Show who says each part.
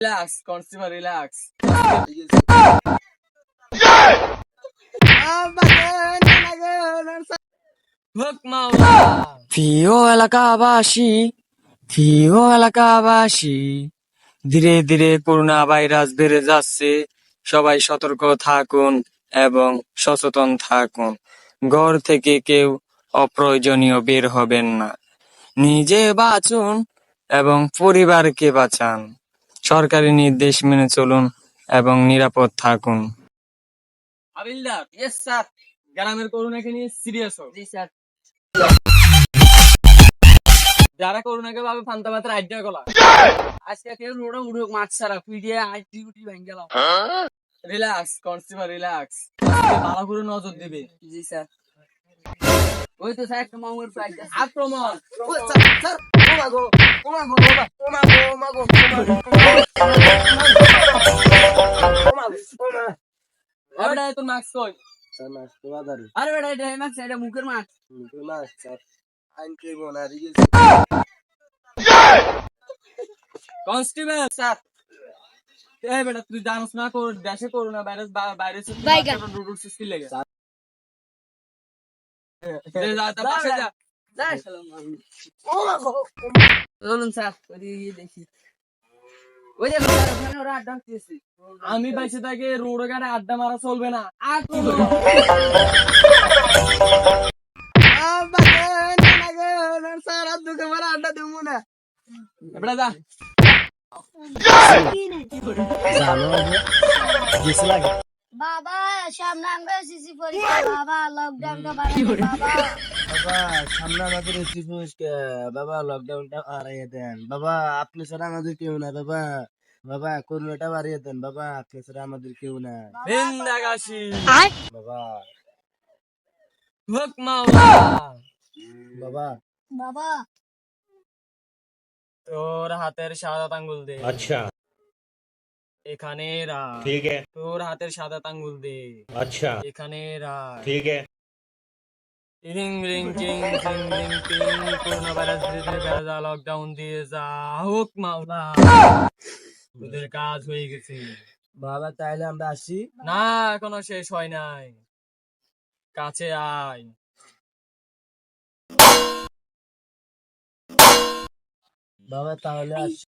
Speaker 1: Relax, consumer, relax. হোক মাওলা। প্রিয় এলাকাবাসী, ধীরে ধীরে করোনা ভাইরাস বেড়ে যাচ্ছে। সবাই সতর্ক থাকুন এবং সচেতন থাকুন। ঘর থেকে কেউ অপ্রয়োজনীয় বের হবেন না। নিজে বাঁচুন এবং পরিবারকে বাঁচান। সরকারি নির্দেশ মেনে চলুন এবং নিরাপদ থাকুন। হাবিলদার,
Speaker 2: ইয়েস স্যার।
Speaker 1: গ্রামের করোনাকে নিয়ে সিরিয়াস হোক।
Speaker 2: জি স্যার।
Speaker 1: যারা করোনাকে ভাবে ফান্তা মাত্রা আইডিয়া গলা।
Speaker 2: আজকে কেউ রোডে উড়ুক মাছ ছাড়া পিডিয়ে আইটি উটি ভেঙে গেল।
Speaker 1: Relax, consumer relax. ভালো করে নজর দিবে।
Speaker 2: জি স্যার। ওই তো স্যার একটা মামুর প্রাইস
Speaker 1: আক্রমণ।
Speaker 2: স্যার ও মাগো ও মাগো ও মাগো ও মাগো
Speaker 1: এবারে তোর মাস্ক কই?
Speaker 2: স্যার মাছ তো বাদারি। আরে বেটা এটা মাছ এটা মুখের মাছ। মুখের মাছ স্যার। আইন কে বনা রিগেল।
Speaker 1: কনস্টেবল
Speaker 2: স্যার
Speaker 1: এই বেটা তুই জানোস না দেশে করোনা ভাইরাস বাইরে রুডুর সিস্টেম লেগে যা তা পাশে যা।
Speaker 2: ও মাগো চলুন স্যার ওই দেখি ওই দেখো স্যার ওখানে ওরা আড্ডা দিয়েছে।
Speaker 1: আমি বাইসে থাকি রোড ঘাটে আড্ডা মারা চলবে না।
Speaker 2: স্যার আর দুকে মারা আড্ডা দেবো না।
Speaker 1: এবারে যা।
Speaker 3: বাবা সামনে আমরা সিসি পরীক্ষা বাবা লকডাউনটা বাড়াই বাবা
Speaker 2: বাবা সামনে আমাদের এসি পরিষ্কার বাবা লকডাউনটা বাড়িয়ে দেন বাবা আপনি ছাড়া আমাদের কেউ না বাবা বাবা করোনাটা বাড়িয়ে দেন বাবা আপনি ছাড়া আমাদের কেউ না
Speaker 1: বিন্দাগাসি
Speaker 2: বাবা
Speaker 1: হোক মাওলা।
Speaker 2: বাবা
Speaker 3: বাবা
Speaker 1: তোর হাতের সাদা আঙ্গুল দে।
Speaker 4: अच्छा
Speaker 1: এখানে রাখ।
Speaker 4: ठीक है
Speaker 1: তোর হাতের সাদা আঙ্গুল দে।
Speaker 4: अच्छा
Speaker 1: এখানে রাখ।
Speaker 4: ठीक है
Speaker 1: রিং রিং টিং টিং রিং টিং করোনা ভাইরাস ধীরে ধীরে বেড়ে যা, লকডাউন দিয়ে যা। হোক মাওলা, তোদের কাজ হয়ে গেছে।
Speaker 2: বাবা তাইলে আমরা আসি
Speaker 1: না এখনো শেষ হয় নাই, কাছে আয়।
Speaker 2: বাবা তাহলে আসি